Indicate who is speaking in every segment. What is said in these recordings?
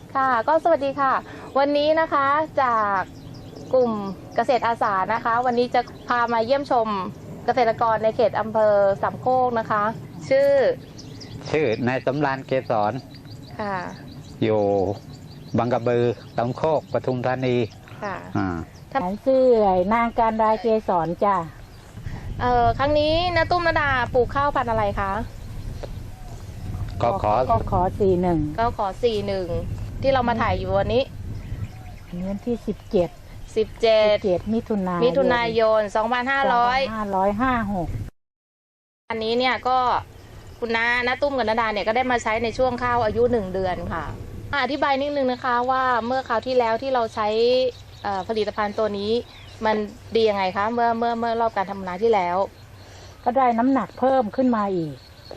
Speaker 1: ค่ะก็สวัสดีค่ะวันนี้นะคะจากกลุ่มเกษตรอาสานะคะวันนี้จะพามาเยี่ยมชมเกษตรกรในเขตอำเภอสามโคกนะคะ
Speaker 2: ชื่อนายสำราญเกษร
Speaker 1: ค่ะ
Speaker 2: อยู่บางกระบือสามโคกปทุมธานี
Speaker 1: ค่ะ
Speaker 3: ฉันชื่อนางการดาเกษรจ้ะ
Speaker 1: ครั้งนี้น้าตุ้มนาดาปลูกข้าวพันธุ์อะไรคะ
Speaker 2: ก็ขอ
Speaker 3: 41
Speaker 1: ก็ขอ41ที่เรามาถ่ายอยู่วันนี้
Speaker 3: วันที่17มิถุนายน2556
Speaker 1: อันนี้เนี่ยก็คุณน้าตุ้มกับนาดาเนี่ยก็ได้มาใช้ในช่วงข้าวอายุ1เดือนค่ะอธิบายนิดนึงนะคะว่าเมื่อคราวที่แล้วที่เราใช้ผลิตภัณฑ์ตัวนี้มันดียังไงคะเมื่อรอบการทำนาที่แล้ว
Speaker 3: ก็ได้น้ำหนักเพิ่มขึ้นมาอีก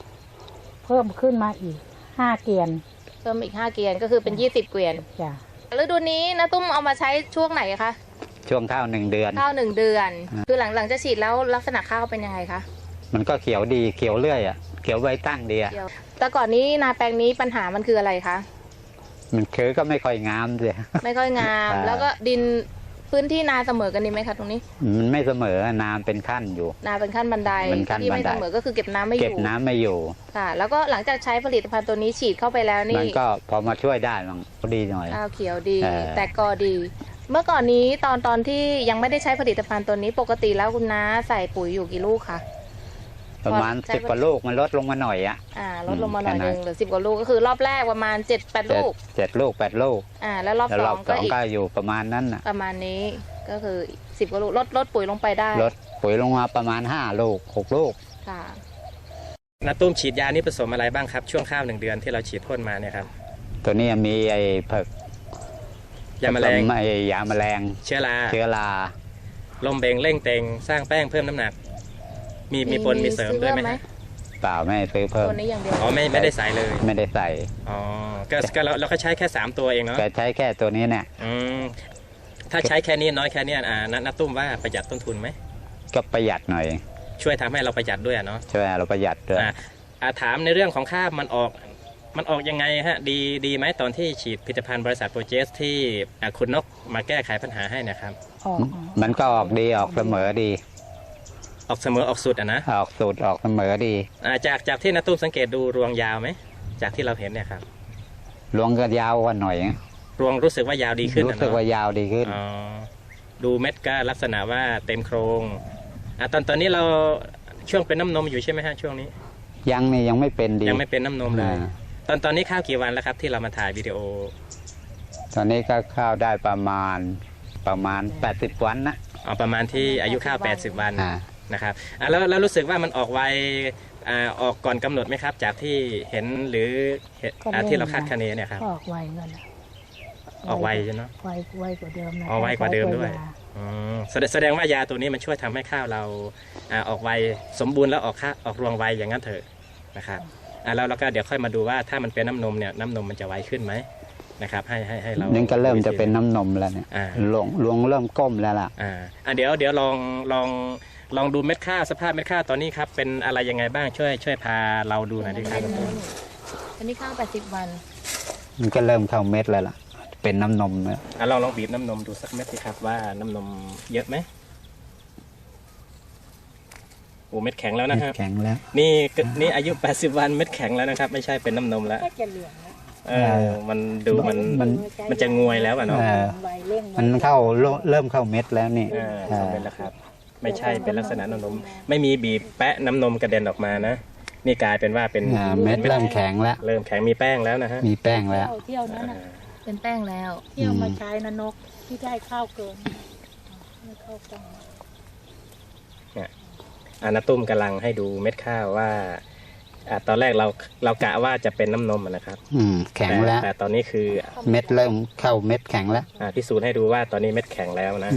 Speaker 3: 5 เกวียน
Speaker 1: เพิ่มอีก5 เกวียนก็คือเป็น20 เกวียน
Speaker 3: จ้ะ
Speaker 1: ฤดูนี้น้าตุ้มเอามาใช้ช่วงไหนคะ
Speaker 2: ช่วงข้าว1 เดือน
Speaker 1: คือหลังจะฉีดแล้วลักษณะข้าวเป็นยังไงคะ
Speaker 2: มันก็เขียวดีเขียวเรื่อยอ่ะเขียวใบตั้งดีอ่ะ
Speaker 1: แต่ก่อนนี้นาแปลงนี้ปัญหามันคืออะไรคะ
Speaker 2: มันก็ไม่ค่อยงามเลย
Speaker 1: ไม่ค่อยงามแล้วก็ดินพื้นที่นาเสมอกันดีไหมคะตรงนี้
Speaker 2: มันไม่เสมอนาเป็นขั้นอยู่
Speaker 1: นาเป็นขั้นบันไดที่ไม่เสมอก็คือเก็บน้ำไม่อยู่ค่ะแล้วก็หลังจากใช้ผลิตภัณฑ์ตัวนี้ฉีดเข้าไปแล้วนี่
Speaker 2: มันก็พอมาช่วยได้มันดีหน่อย
Speaker 1: ข้าวเขียวดีแต่กอดี เมื่อก่อนนี้ตอนที่ยังไม่ได้ใช้ผลิตภัณฑ์ตัวนี้ปกติแล้วคุณน้าใส่ปุ๋ยอยู่กี่ลูกคะ
Speaker 2: ประมาณ10 กว่าลูกมันลดลงมาหน่อย
Speaker 1: ลดลงมาหน่อยนึงเหลือ10 กว่าลูกก็คือรอบแรกประมาณ7-8 ลูก
Speaker 2: 7 ลูก 8 ลูก
Speaker 1: แล้วรอบสอง
Speaker 2: ก็อยู่ประมาณนั้น
Speaker 1: ประมาณนี้ก็คือ10 กว่าลูกลดปุ๋ยลงไปได้
Speaker 2: ลดปุ๋ยลงมาประมาณ5 ลูก 6 ลูก
Speaker 1: ค่ะ
Speaker 4: น้าตุ้มฉีดยานี่ผสมอะไรบ้างครับช่วงข้าว1 เดือนที่เราฉีดพ่นมาเนี่ยครับ
Speaker 2: ตัวนี้มีไอ้เผือก
Speaker 4: ยาแมลง
Speaker 2: ยาแมลง
Speaker 4: เชื้อราลมเบงเร่งเต็งสร้างแป้งเพิ่มน้ำหนักมีปนมีเสริมด้วยไหม
Speaker 2: เปล่าไม่ซื้อเพิ่ม
Speaker 1: ตัวนี้อย่างเดียว
Speaker 4: ไม่ได้ใส่เลย
Speaker 2: ไม่ได้ใส่
Speaker 4: ก็เราก็ใช้แค่3 ตัวเองเนาะ
Speaker 2: ใช้แค่ตัวนี้เนี่ย
Speaker 4: ถ้าใช้แค่นี้น้อยแค่นี้น้าตุ้มว่าประหยัดต้นทุนไหม
Speaker 2: ก็ประหยัดหน่อย
Speaker 4: ช่วยทำให้เราประหยัดด้วยเนาะ
Speaker 2: ช่วยเราประหยัดด้วย
Speaker 4: ถามในเรื่องของค่ามันออกยังไงฮะดีไหมตอนที่ฉีดผลิตภัณฑ์บริษัทโปรเจสที่คุณนกมาแก้ไขปัญหาให้นะครับ
Speaker 2: มันก็ออกดีออกเสมอดี
Speaker 4: ออกเสมอออกสุดนะ
Speaker 2: ออกสุดออกเสมอดี
Speaker 4: จากที่น้าตุ้มสังเกตดูรวงยาวไหมจากที่เราเห็นเนี่ยครับ
Speaker 2: รวงก็ยาวกว่าหน่อย
Speaker 4: รวงรู้สึกว่ายาวดีขึ้น
Speaker 2: รู้สึกว่ายาวดีขึ้น
Speaker 4: ดูเม็ดก็ลักษณะว่าเต็มโครงตอนนี้เราช่วงเป็นน้ำนมอยู่ใช่ไหมฮะช่วงนี้
Speaker 2: ยังไม่เป็นดี
Speaker 4: ยังไม่เป็นน้ำนมเลยตอนนี้ข้าวกี่วันแล้วครับที่เรามาถ่ายวิดีโอ
Speaker 2: ตอนนี้ก็ข้าวได้ประมาณ80 วันนะ
Speaker 4: ประมาณที่อายุข้าว80 วันนะครับแล้วรู้สึกว่ามันออกไวออกก่อนกำหนดไหมครับจากที่เห็นหรือที่เราคาดคะเนเนี่ยครับ
Speaker 3: ออกไวกัน
Speaker 4: ออกไวใช่ไหม
Speaker 3: ไวกว่าเดิมนะ
Speaker 4: ไวกว่าเดิมด้วยแสดงว่ายาตัวนี้มันช่วยทำให้ข้าวเราออกไวสมบูรณ์แล้วออกรวงไวอย่างนั้นเถอะนะครับแล้วเราก็เดี๋ยวค่อยมาดูว่าถ้ามันเป็นน้ำนมเนี่ยน้ำนมมันจะไวขึ้นไหมนะครับให้เรา
Speaker 2: นี่ก็เริ่มจะเป็นน้ำนมแล้วเนี่ยรวงเริ่มก้มแล้วล่ะ
Speaker 4: เดี๋ยวลองดูเม็ดข้าวสภาพเม็ดข้าวตอนนี้ครับเป็นอะไรยังไงบ้างช่วยพาเราดูหน่อยดิครับ
Speaker 1: อันนี้ข้าว80 วัน
Speaker 2: มันก็เริ่มเข้าเม็ดแล้วล่ะเป็นน้ำนมแล้ว
Speaker 4: ลองบีบน้ำนมดูสักเม็ดสิครับว่าน้ำนมเยอะไหมโอ้เม็ดแข็งแล้วนะครับ
Speaker 2: แข็งแล้ว
Speaker 4: นี่อายุ80 วันเม็ดแข็งแล้วนะครับไม่ใช่เป็นน้ำนมแล้วมันดูมันจะงวยแล้วเนาะ
Speaker 2: มันเริ่มเข้าเม็ดแล้วนี่
Speaker 4: เป็นแล้วครับไม่ใช่เป็นลักษณะน้ำนมไม่มีบีบแปะน้ำนมกระเด็นออกมานะนี่กลายเป็นว่าเป็น
Speaker 2: เม็ดเริ่มแข็งแล้ว
Speaker 4: เริ่มแข็งมีแป้งแล้วนะฮะ
Speaker 2: มีแป้งแล้ว
Speaker 3: เที่ยวนั้น
Speaker 1: เป็นแป้งแล้ว
Speaker 3: เที่ยวมาใช้นกที่ได้ข้าวเกินข้าวกล่อง
Speaker 4: น้าตุ้มกำลังให้ดูเม็ดข้าวว่าตอนแรกเรากะว่าจะเป็นน้ำนมนะครับ
Speaker 2: แข็งแล้ว
Speaker 4: แต่ตอนนี้คือ
Speaker 2: เม็ดเริ่มเข้าเม็ดแข็งแล้ว
Speaker 4: พิสูจน์ให้ดูว่าตอนนี้เม็ดแข็งแล้วนะ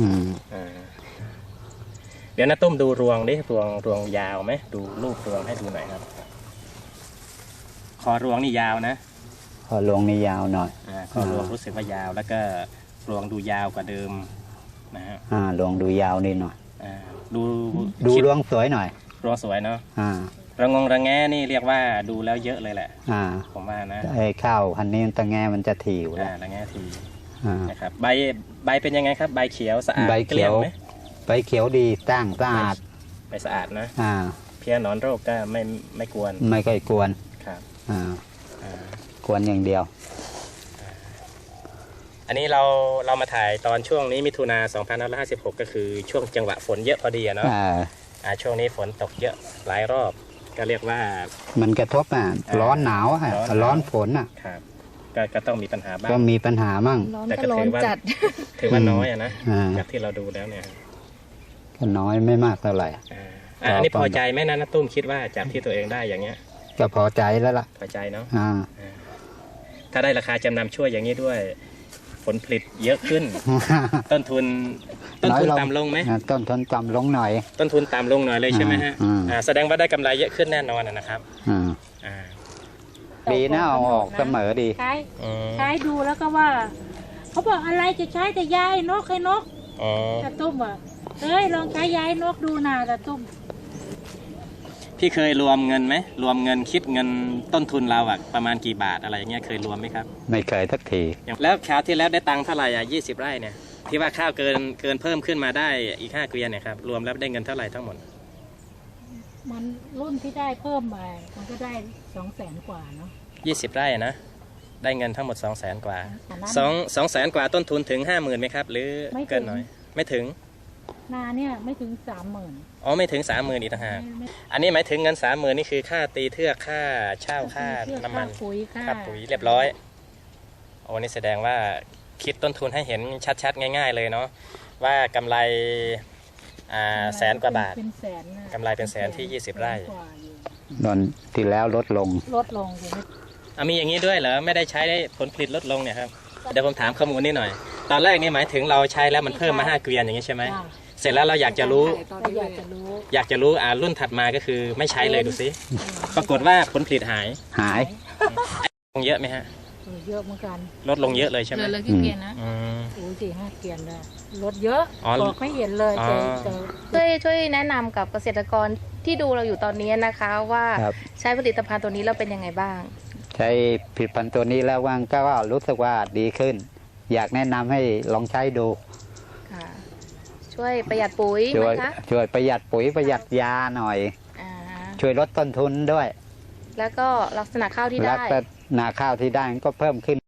Speaker 4: เดี๋ยวน้าตุ้มดูรวงดิรวงยาวไหมดูรูปรวงให้ดูหน่อยครับคอรวงนี่ยาวนะ
Speaker 2: คอรวงนี่ยาวหน่อย
Speaker 4: คอรวงรู้สึกว่ายาวแล้วก็รวงดูยาวกว่าเดิมนะฮะ
Speaker 2: รวงดูยาวนิดหน่อย
Speaker 4: ดู
Speaker 2: รวงสวยหน่อย
Speaker 4: รวงสวยเนาะระงงระแงนี่เรียกว่าดูแล้วเยอะเลยแหละ
Speaker 2: อ่า
Speaker 4: ผมว่านะ
Speaker 2: ไอ้ข้าวพันธุ์นี้ตะแงมันจะถี่อยู่แล้ว
Speaker 4: ระแงที
Speaker 2: อ่า
Speaker 4: นะครับใบเป็นยังไงครับใบเขียวสะอาด
Speaker 2: ใบ
Speaker 4: เกลี้
Speaker 2: เขี
Speaker 4: ย
Speaker 2: ย
Speaker 4: ง
Speaker 2: ว
Speaker 4: ไหม
Speaker 2: ใบเขียวดีตั้งสะอาด
Speaker 4: ใบสะอาดนะ
Speaker 2: อ่า
Speaker 4: เพี้ยหนอนโรคก็ไม่กวน
Speaker 2: ไม่ค่อยกวน
Speaker 4: ครับ
Speaker 2: อ่า
Speaker 4: อ่า
Speaker 2: กวนอย่างเดียว
Speaker 4: อันนี้เรามาถ่ายตอนช่วงนี้มิถุนา2556 ก็คือช่วงจังหวะฝนเยอะพอดีอะเนาะ ช่วงนี้ฝนตกเยอะหลายรอบก็เรียกว่า
Speaker 2: มันกระทบร้อนหนาวอ่ะ ร้อนฝนอ่ะ
Speaker 4: ครับก็ต้องมีปัญหาบ้าง
Speaker 2: ก็มีปัญหามั่ง
Speaker 1: ร้อน
Speaker 4: แต่
Speaker 1: ก็
Speaker 4: ก็
Speaker 1: ร้อ
Speaker 4: ถื
Speaker 1: น
Speaker 4: อว่า
Speaker 1: จัด
Speaker 4: ถือว่าน้อยอะนะ
Speaker 2: อ่า
Speaker 4: จากที่เราดูแล้วเนี่ย
Speaker 2: ก็น้อยไม่มากเท่าไหร่
Speaker 4: อันนี้พอใจไหมนะน้าตุ้มคิดว่าจากที่ตัวเองได้อย่างเงี้ย
Speaker 2: ก็พอใจแล้วล่ะ
Speaker 4: พอใจเนาะ
Speaker 2: อ่า
Speaker 4: ถ้าได้ราคาจำนำช่วยอย่างนี้ด้วย ผลผลิตเยอะขึ้น ต้นทุน
Speaker 2: น้อยลง
Speaker 4: ต่ำลงไหม
Speaker 2: ต้นทุนต่ำลงหน่อย
Speaker 4: ต้นทุนต่ำลงหน่อยเลยใช่ไหมฮะ
Speaker 2: อ่า
Speaker 4: แสดงว่าได้กำไรเยอะขึ้นแน่นอนนะครับ
Speaker 2: อ่า
Speaker 4: อ่า
Speaker 2: ดีนะเอาออกเสมอดี
Speaker 3: ใช้
Speaker 4: อืม
Speaker 3: ใช้ดูแล้วก็ว่า เขาบอกอะไรจะใช้แต่ยายนกให้นก
Speaker 4: อ๋อ
Speaker 3: ตาตุ้มอ่ะเอ้ยลองใช้ยายนกดูนะตาตุ้ม
Speaker 4: พี่เคยรวมเงินไหมรวมเงินคิดเงินต้นทุนเราอะประมาณกี่บาทอะไรอย่างเงี้ยเคยรวมไหมครับ
Speaker 2: ไม่เคยสักที
Speaker 4: แล้วคราวที่แล้วได้ตังค์เท่าไหร่20 ไร่เนี่ยที่ว่าข้าวเกินเพิ่มขึ้นมาได้อีก5 เกวียนเนี่ยครับรวมแล้วได้เงินเท่าไหร่ทั้งหมด
Speaker 3: มันรุ่นที่ได้เพิ่มมามันก็ได้200,000 กว่าเนาะ
Speaker 4: 20 ไร่นะได้เงินทั้งหมด 200,000 กว่า
Speaker 3: อันนั้น
Speaker 4: 200,000 กว่าต้นทุนถึง 50,000ไหมครับหรือ
Speaker 3: ไม่ถึง
Speaker 4: เกินหน่อยไม่ถึง
Speaker 3: นาเนี่ยไม่ถึง30,000
Speaker 4: อ๋อไม่ถึง 30,000อีกต่างหากอันนี้หมายถึงเงิน 30,000นี่คือค่าตีเทือกค่าเช่าค่าน้ำมัน
Speaker 3: ค่าปุ๋ย
Speaker 4: ค่าปุ๋ยเรียบร้อยโอ้นี่แสดงว่าคิดต้นทุนให้เห็นชัดๆง่าย ๆเลยเนาะว่ากำไรแสนกว่าบาท
Speaker 3: เป็นแสนนะ
Speaker 4: กำไรเป็นแสนที่20 ไร่
Speaker 3: กว่าอยู่
Speaker 2: ตอนที่แล้วลดลง
Speaker 3: ลดลงอยู่ไม่
Speaker 4: มีอย่างนี้ด้วยเหรอไม่ได้ใช้ได้ผลผลิตลดลงเนี่ยครับเดี๋ยวผมถามข้อมูลนิดหน่อย ตอนแรกนี่หมายถึงเราใช้แล้วมันเพิ่มมา5 เกวียนอย่างนี้ใช่ไหม
Speaker 3: จ้ะ
Speaker 4: เสร็จแล้วเราอยากจะรู้
Speaker 3: ก็อยากจะรู้
Speaker 4: รุ่นถัดมาก็คือไม่ใช้เลยดูสิปรากฏว่าผลผลิตหาย
Speaker 2: หาย
Speaker 4: ลงเยอะไหมฮะ
Speaker 3: เยอะเหมือนกัน
Speaker 4: ลดลงเยอะเลยใช่ไหม
Speaker 1: เลยกี่เกวียนนะ
Speaker 4: อืม
Speaker 3: โอ้ย4-5 เกวียนได้ลดเยอะ
Speaker 4: อ๋อ
Speaker 3: บอกไม่เห็นเลย
Speaker 4: อ๋อ
Speaker 3: เจอ
Speaker 1: ช่วยแนะนำกับเกษตรกรที่ดูเราอยู่ตอนนี้นะคะว่า
Speaker 2: ครับ
Speaker 1: ใช้ผลิตภัณฑ์ตัวนี้แล้วเป็นยังไงบ้าง
Speaker 2: ใช้ผลิตภัณฑ์ตัวนี้แล้วว่างก็รู้สึกว่าดีขึ้น อยากแนะนำให้ลองใช้ดู
Speaker 1: ค่ะ ช่วยประหยัดปุ๋ยไห
Speaker 2: ช่
Speaker 1: ม
Speaker 2: วย
Speaker 1: คะ
Speaker 2: ช่วยประหยัดปุ๋ยประหยัดยาหน่อย
Speaker 1: อ่า
Speaker 2: ช่วยลดต้นทุนด้วย
Speaker 1: แล้วก็ลักษณะข้าวที่
Speaker 2: แล้ว
Speaker 1: ได้
Speaker 2: ก็นาข้าวที่ได้ก็เพิ่มขึ้น